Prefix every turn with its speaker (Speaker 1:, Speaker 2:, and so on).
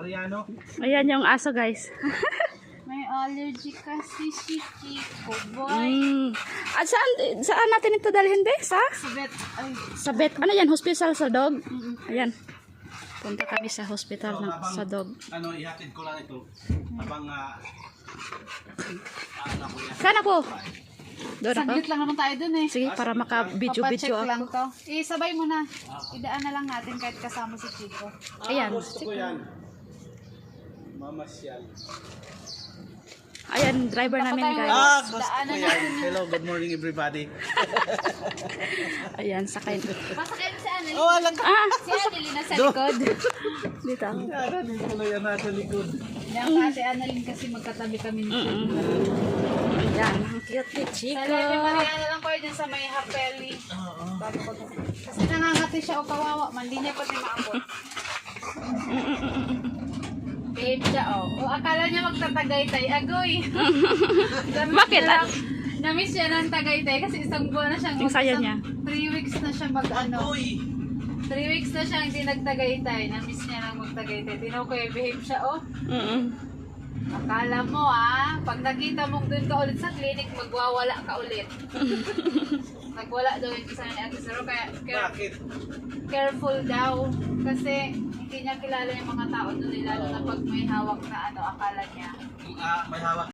Speaker 1: Mariano.
Speaker 2: Ayan yung aso, guys.
Speaker 3: May allergy kasi si Chico, boy.
Speaker 2: At saan natin ito dalhin, be? Sa
Speaker 3: Sabet, ay.
Speaker 2: Sa vet. Ano yan? Hospital sa dog? Ayan. Punta kami sa hospital sa dog.
Speaker 1: Ano, ihatid ko lang ito. Habang, ko yan.
Speaker 2: Saan ako? Doon ako?
Speaker 3: Saglit lang naman tayo dun eh.
Speaker 2: Sige, para maka-video-video
Speaker 3: Papacheck lang
Speaker 2: ako.
Speaker 3: to. Sabay mo na. Idaan na lang natin kahit kasama si Chico.
Speaker 2: Ayan.
Speaker 1: Gusto ko yan. Mamasyal.
Speaker 2: Ayan, driver namin, guys.
Speaker 1: Gusto ko
Speaker 3: Daanan
Speaker 1: yan.
Speaker 3: natin yan.
Speaker 1: Hello, good morning everybody.
Speaker 2: Ayan, sakay.
Speaker 3: Pasakay mo si Annalyn.
Speaker 1: Oh, alam ka.
Speaker 3: Si Annalyn nasa likod.
Speaker 2: Dito.
Speaker 1: Yan, dito na yan nasa likod.
Speaker 3: Yan kasi Annalyn kasi magkatabi kami ni Chico.
Speaker 2: Ayan, ang cute ni Chico.
Speaker 3: Talaga Mariana lang ko dyan sa may hapeli. Kasi nangangati siya o kawawa man. Di niya pati maabot. Behave siya o. O akala niya magtatagaytay. Agoy.
Speaker 2: Bakit?
Speaker 3: Namiss siya ng Tagaytay kasi isang buwan na siyang
Speaker 2: Yung saya niya.
Speaker 3: 3 weeks na siya mag-ano. 3 weeks na siya hindi nagtagaytay. Namiss niya lang magtagaytay. Tinaw ko behave siya oh. Akala mo pag nakita mong doon ka ulit sa clinic, magwawala ka ulit. Nagwala daw yung isa ni Ate Saro, kaya
Speaker 1: Bakit?
Speaker 3: careful daw. Kasi hindi niya kilala yung mga tao doon, lalo na pag may hawak na akala niya.
Speaker 1: May hawak.